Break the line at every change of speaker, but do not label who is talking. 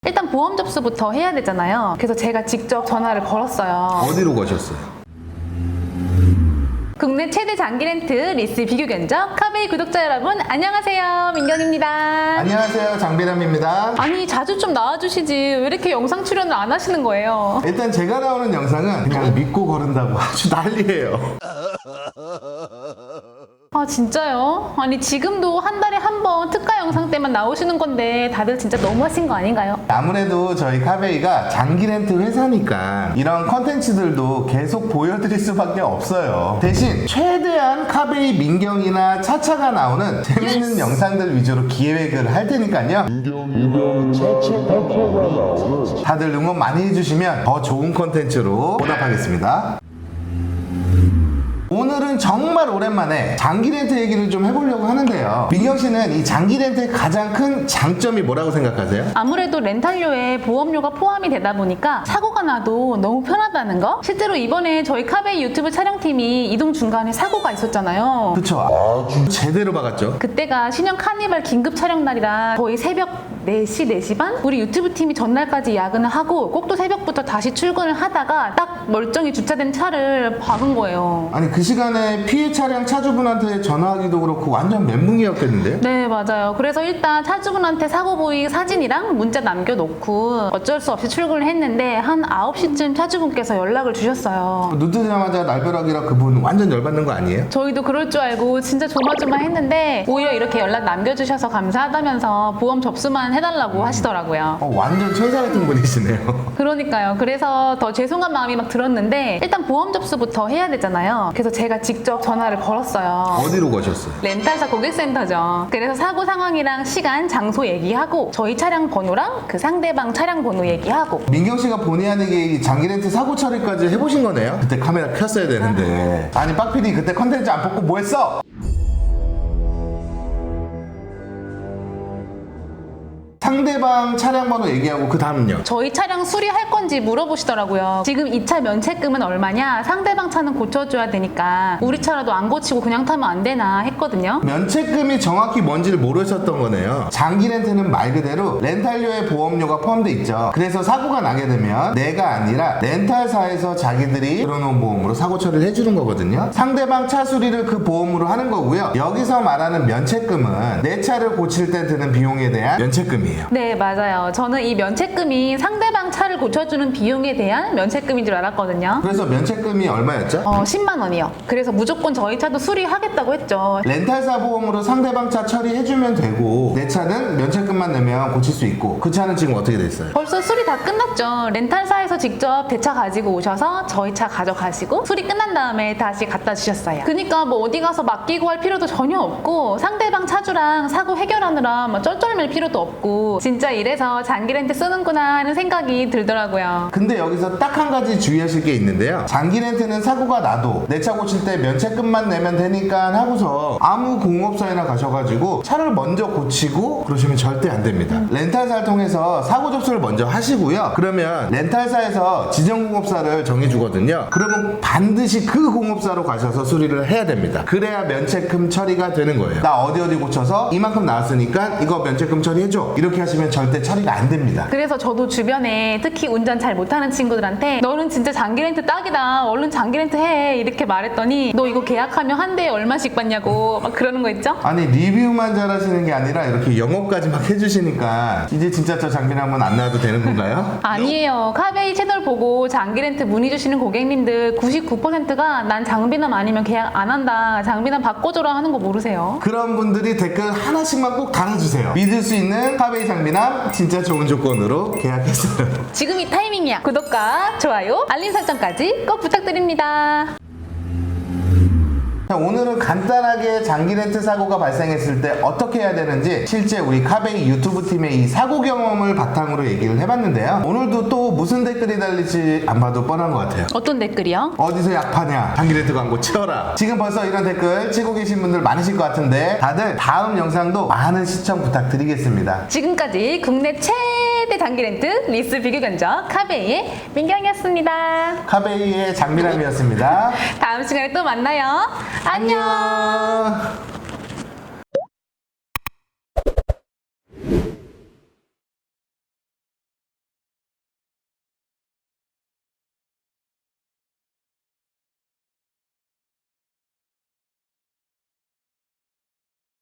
일단 보험 접수부터 해야 되잖아요. 그래서 제가 직접 전화를 걸었어요.
어디로 가셨어요?
국내 최대 장기 렌트 리스 비교 견적 카베이 구독자 여러분 안녕하세요, 민경입니다.
안녕하세요, 장비람입니다.
아니 자주 좀 나와주시지 왜 이렇게 영상 출연을 안 하시는 거예요?
일단 제가 나오는 영상은 그냥 믿고 거른다고 아주 난리예요.
아 진짜요? 아니 지금도 한 달에 한 번 특가 영상 때만 나오시는 건데 다들 진짜 너무하신 거 아닌가요?
아무래도 저희 카베이가 장기 렌트 회사니까 이런 컨텐츠들도 계속 보여드릴 수밖에 없어요. 대신 최대한 카베이 민경이나 차차가 나오는 재밌는 영상들 위주로 기획을 할 테니까요. 다들 응원 많이 해주시면 더 좋은 컨텐츠로 보답하겠습니다. 오늘은 정말 오랜만에 장기 렌트 얘기를 좀 해보려고 하는데요. 민경 씨는 이 장기 렌트의 가장 큰 장점이 뭐라고 생각하세요?
아무래도 렌탈료에 보험료가 포함이 되다 보니까 사고가 나도 너무 편하다는 거? 실제로 이번에 저희 카베이 유튜브 촬영팀이 이동 중간에 사고가 있었잖아요.
그쵸? 아주 제대로 박았죠?
그때가 신형 카니발 긴급 촬영 날이라 거의 새벽 4시, 4시 반? 우리 유튜브 팀이 전날까지 야근을 하고 꼭두 새벽부터 다시 출근을 하다가 딱 멀쩡히 주차된 차를 박은 거예요.
아니 그 시간에 피해 차량 차주분한테 전화하기도 그렇고 완전 멘붕이었겠는데요?
네, 맞아요. 그래서 일단 차주분한테 사고 부위 사진이랑 문자 남겨놓고 어쩔 수 없이 출근을 했는데 한 9시쯤 차주분께서 연락을 주셨어요.
눈 뜨자마자 날벼락이라 그분 완전 열받는 거 아니에요?
저희도 그럴 줄 알고 진짜 조마조마했는데 오히려 이렇게 연락 남겨주셔서 감사하다면서 보험 접수만 해달라고 하시더라고요.
완전 천사 같은 분이시네요.
그러니까요. 그래서 더 죄송한 마음이 막 들었는데 일단 보험 접수부터 해야 되잖아요. 그래서 제가 직접 전화를 걸었어요.
어디로 가셨어요?
렌탈사 고객센터죠. 그래서 사고 상황이랑 시간, 장소 얘기하고 저희 차량 번호랑 그 상대방 차량 번호 얘기하고
민경 씨가 본의 아니게 이 장기 렌트 사고 처리까지 해보신 거네요? 그때 카메라 켰어야 되는데. 아니 빡PD 그때 컨텐츠 안 뽑고 뭐 했어? 상대방 차량 번호 얘기하고 그 다음은요?
저희 차량 수리할 건지 물어보시더라고요. 지금 이 차 면책금은 얼마냐? 상대방 차는 고쳐줘야 되니까 우리 차라도 안 고치고 그냥 타면 안 되나 했거든요.
면책금이 정확히 뭔지를 모르셨던 거네요. 장기 렌트는 말 그대로 렌탈료에 보험료가 포함돼 있죠. 그래서 사고가 나게 되면 내가 아니라 렌탈사에서 자기들이 들어놓은 보험으로 사고 처리를 해주는 거거든요. 상대방 차 수리를 그 보험으로 하는 거고요. 여기서 말하는 면책금은 내 차를 고칠 때 드는 비용에 대한 면책금이에요.
네, 맞아요. 저는 이 면책금이 상대방 차를 고쳐주는 비용에 대한 면책금인 줄 알았거든요.
그래서 면책금이 얼마였죠?
10만 원이요. 그래서 무조건 저희 차도 수리하겠다고 했죠.
렌탈사 보험으로 상대방 차 처리해주면 되고 내 차는 면책금만 내면 고칠 수 있고 그 차는 지금 어떻게 됐어요?
벌써 수리 다 끝났죠. 렌탈사에서 직접 대차 가지고 오셔서 저희 차 가져가시고 수리 끝난 다음에 다시 갖다 주셨어요. 그러니까 뭐 어디 가서 맡기고 할 필요도 전혀 없고 상대방 차주랑 사고 해결하느라 막 쩔쩔맬 필요도 없고 진짜 이래서 장기 렌트 쓰는구나 하는 생각이 들더라고요.
근데 여기서 딱 한 가지 주의하실 게 있는데요. 장기 렌트는 사고가 나도 내 차 고칠 때 면책금만 내면 되니까 하고서 아무 공업사에나 가셔가지고 차를 먼저 고치고 그러시면 절대 안 됩니다. 렌탈사를 통해서 사고 접수를 먼저 하시고요. 그러면 렌탈사에서 지정 공업사를 정해주거든요. 그러면 반드시 그 공업사로 가셔서 수리를 해야 됩니다. 그래야 면책금 처리가 되는 거예요. 나 어디 고쳐서 이만큼 나왔으니까 이거 면책금 처리해줘. 이렇게 하시면 절대 처리가 안 됩니다.
그래서 저도 주변에 특히 운전 잘 못하는 친구들한테 너는 진짜 장기 렌트 딱이다. 얼른 장기 렌트 해. 이렇게 말했더니 너 이거 계약하면 한 대에 얼마씩 받냐고 막 그러는 거 있죠?
아니 리뷰만 잘하시는 게 아니라 이렇게 영업까지 막 해주시니까 이제 진짜 저 장비람은 안 나와도 되는 건가요?
아니에요. 카베이 채널 보고 장기 렌트 문의 주시는 고객님들 99%가 난 장비남 아니면 계약 안 한다. 장비남 바꿔줘라 하는 거 모르세요?
그런 분들이 댓글 하나씩만 꼭 달아주세요. 믿을 수 있는 카베이 장비남 진짜 좋은 조건으로 계약했어요.
지금이 타이밍이야. 구독과 좋아요, 알림 설정까지 꼭 부탁드립니다.
자, 오늘은 간단하게 장기 렌트 사고가 발생했을 때 어떻게 해야 되는지 실제 우리 카베이 유튜브 팀의 이 사고 경험을 바탕으로 얘기를 해봤는데요. 오늘도 또 무슨 댓글이 달릴지 안 봐도 뻔한 것 같아요.
어떤 댓글이요?
어디서 약 파냐? 장기 렌트 광고 치워라. 지금 벌써 이런 댓글 치고 계신 분들 많으실 것 같은데 다들 다음 영상도 많은 시청 부탁드리겠습니다.
지금까지 국내 최대 장기 렌트 리스 비교 견적 카베이의 민경이었습니다.
카베이의 장미람이었습니다.
다음 시간에 또 만나요. 안녕.